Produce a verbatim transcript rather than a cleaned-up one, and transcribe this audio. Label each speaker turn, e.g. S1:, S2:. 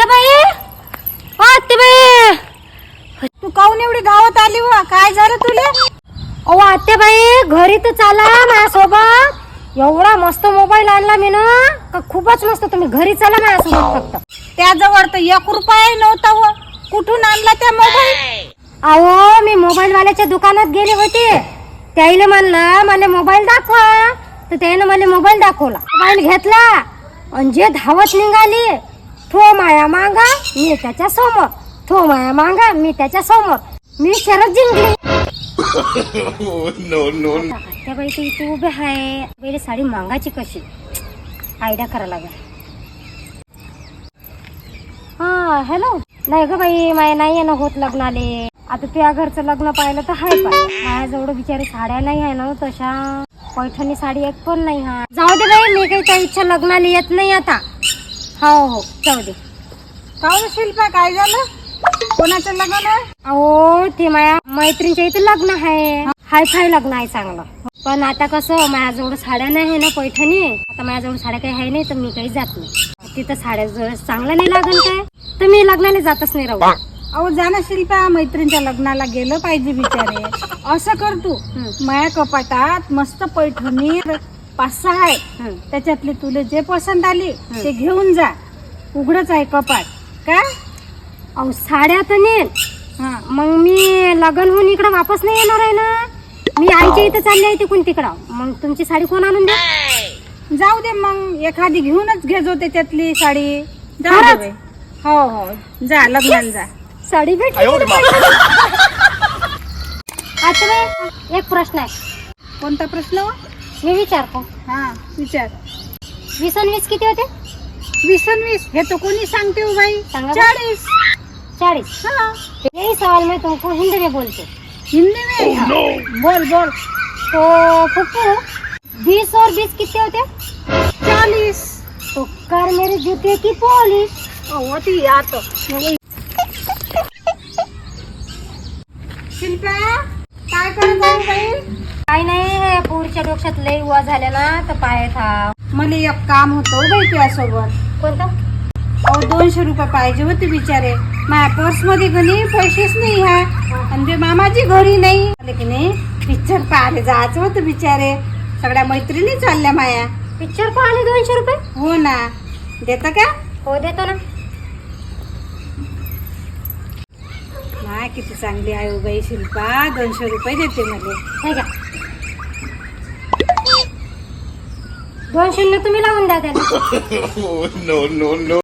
S1: आत्याबाई, ओ आत्याबाई,
S2: तू काऊन एवढी धावत आली व? काय झालं तुला?
S1: ओ आत्याबाई, घरी तर चाला माझ्यासोबत. एवढा मस्त मोबाईल आणला मी ना, का खूपच मस्त. तुम्ही घरी चला माझ्यासोबत. फक्त
S2: त्याजवळ तर एक रुपया नव्हता व. कुठून आणला त्या मोबाईल?
S1: अहो, मी मोबाईल वाल्याच्या दुकानात गेले होते. त्याईले म्हणलं मला मोबाईल दाखवा, तर त्याने मला मोबाईल दाखवला. मोबाईल घेतला आणि जे धावत निघाली, थो माया मांगा मी त्याच्या समोर, थो माया मांगा मी त्याच्या समोर. मी शरद जिंकली.
S3: नो नो
S1: आत्याबाई तू इथे उभे आहे. पहिले साडी मागायची कशी, आयडिया करा लागेल. हा हॅलो. नाही ग बाई, माया नाही ना होत लग्नाले. आता तुझ्या घरचं लग्न पाहिलं तर हाय पाय. माझ्याजवळ बिचारी साड्या नाही आहे ना तशा. पैठणी साडी एक पण नाही. हा जाऊ दे बाई, मी काही त्या इच्छा लग्नाला येत नाही आता. हो हो जाऊ दे.
S2: काऊन शिल्पा, काय झालं? कोणाचं लग्न आहे?
S1: अहो ते माया मैत्रिणीच्या इथे लग्न आहे. हाय फाय लग्न आहे चांगलं. पण आता कसं माझ्याजवळ साड्या नाही आहे ना पैठणी. आता माझ्याजवळ साड्या काही आहे नाही, तर मी काही जात नाही तिथं. साड्या जवळ चांगलं नाही लागल काय, तर मी लग्नाला जातच नाही. राहू
S2: अहो जाना शिल्पा, मैत्रिणीच्या लग्नाला गेलं पाहिजे बिचारे. असं कर तू, माया कपाटात मस्त पैठणी पाच सहा आहे. त्याच्यातले तुला जे पसंत आली ते घेऊन जा. उघडच आहे कपाट. काय?
S1: अहो साड्या तर नेल.
S2: हा
S1: मग मी लग्न होऊन इकडं वापस नाही येणार आहे ना. मी आईच्या इथं चालली आहे तिकडून तिकडं. मग तुमची साडी कोण आणून द्या?
S2: जाऊ दे, मग एखादी घेऊनच घे जो त्याच्यातली साडी. जाऊ दे
S1: खरंच?
S2: बाई. हो हो जा लग्नाला जा.
S1: साडी भेटली. आता बाई, एक प्रश्न आहे.
S2: कोणता प्रश्न व?
S1: मी विचारतो.
S2: हा विचार.
S1: वीस आणि वीस किती होते?
S2: वीस आणि वीस हे तो कोणी सांगते हो बाई?
S1: सांगा बरं.
S2: चाळीस.
S1: चालीस.
S2: हाँ
S1: यही सवाल मैं तुमको हिंदी में बोलते.
S2: हिंदी में?
S3: नो
S2: बोल बोल.
S1: तो फुप्पू, बीस और बीस कितने होते?
S2: चालीस.
S1: तो कर मेरे जूते की पॉलिश.
S2: होती आता शिल्पा, काय करत आहे बाई?
S1: काही नाही, हे पुढच्या डोक्यात लई उवा झाल्या ना, तर पाय था.
S2: मला एक काम होतं बाई तुझ्यासोबत.
S1: कोणतं?
S2: अहो दोनशे रुपये पाहिजे होते बिचारे. माझ्या पर्स मध्ये घरी पैसेच नाही ह्या. आणि ते मामाची घरी नाही आले की नाही. पिक्चर पाहायला जायचं होतं बिचारे. सगळ्या मैत्रिणी चालल्या माया.
S1: पिक्चर पाहणे दोनशे रुपये?
S2: हो ना. देतं का?
S1: हो देतो ना.
S2: माय किती चांगली आहे हो बाई शिल्पा. दोनशे रुपये देते मला.
S1: हे घ्या. दोन शून्य तुम्ही लावून द्या त्याला.
S3: No no no